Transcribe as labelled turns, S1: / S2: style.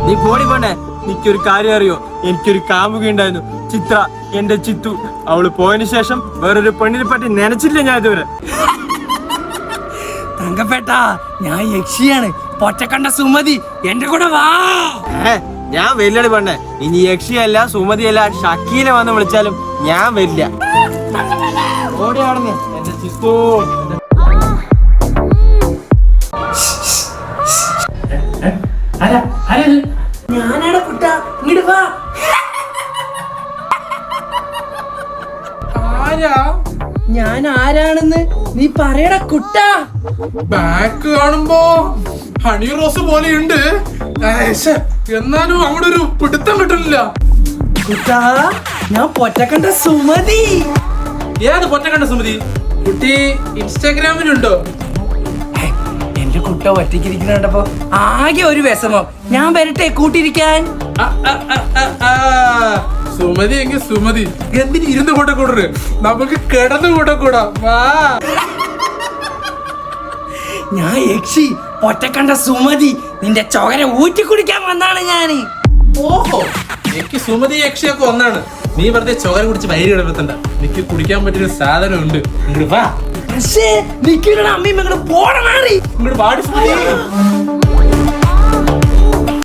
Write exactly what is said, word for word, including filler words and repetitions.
S1: നീ പോടി പോണ്ടേ. എനിക്കൊരു കാര്യം അറിയോ, എനിക്കൊരു കാമുകി ഉണ്ടായിരുന്നു, ചിത്ര, എന്റെ ചിത്തു. അവള് പോയതിനു ശേഷം വേറൊരു പെണ്ണിനെ പറ്റി നനച്ചില്ല ഞാൻ ഇതുവരെ.
S2: തങ്കപ്പെട്ട, ഞാൻ യക്ഷിയാണ്, പൊറ്റക്കണ്ട സുമതി, എന്റെ കൂടെ വാ.
S1: ഏ ഞാൻ വരില്ലടി പെണ്ണെ. ഇനി യക്ഷിയല്ല സുമതിയല്ല ഷക്കീല വന്ന് വിളിച്ചാലും ഞാൻ വരില്ല. ഓടി ആടുന്നു എന്റെ ചിത്തു.
S2: ഞാനാണ് കുട്ട, ഇങ്ങോട്ട് വാ.
S3: ആരാ?
S2: ഞാൻ ആരാണെന്ന് നീ പറയടാ കുട്ട.
S3: ബാക്ക് കാണുമ്പോ ഹണി റോസ് പോലെയുണ്ട്, എന്നാലും അവിടെ ഒരു പിടുത്തം കിട്ടുന്നില്ല.
S2: കുട്ട, ഞാൻ പൊറ്റക്കണ്ട സുമതി.
S3: ഏത് പൊറ്റക്കണ്ട സുമതി? കുട്ടി ഇൻസ്റ്റാഗ്രാമിലുണ്ടോ?
S2: എന്റെ കുട്ട ഒറ്റയ്ക്കിരിക്കുന്ന കണ്ടപ്പോ ആകെ ഒരു വിഷമം. ഞാൻ വരട്ടെ കൂട്ടിരിക്കാൻ?
S3: ആ, ആ, ആ, ആ, ആ. സുമതി എങ്കിൽ സുമതി, എന്തിന് ഇരുന്ന് കൂടെ കൂടരുത്, നമുക്ക് കിടന്നു കൂടെ കൂടാ. വാ.
S2: ഞാൻ യക്ഷി, പൊറ്റക്കണ്ട സുമതി, നിന്റെ ചോര ഊറ്റി കുടിക്കാൻ വന്നാണ് ഞാന്.
S3: ഓഹോ, എനിക്ക് സുമതി യക്ഷിയൊക്കെ ഒന്നാണ്. നീ വെറുതെ ചോര കുടിച്ച് വയറ് കിടത്തണ്ട, എനിക്ക് കുടിക്കാൻ പറ്റിയൊരു സാധനം ഉണ്ട്. ഇങ്ങോട്ട് വാ.
S2: പക്ഷേ നിൽക്കുന്ന അമ്മയും മകളും പോണ മാറി.
S3: ഇങ്ങോട്ട് പാടി സുമതി.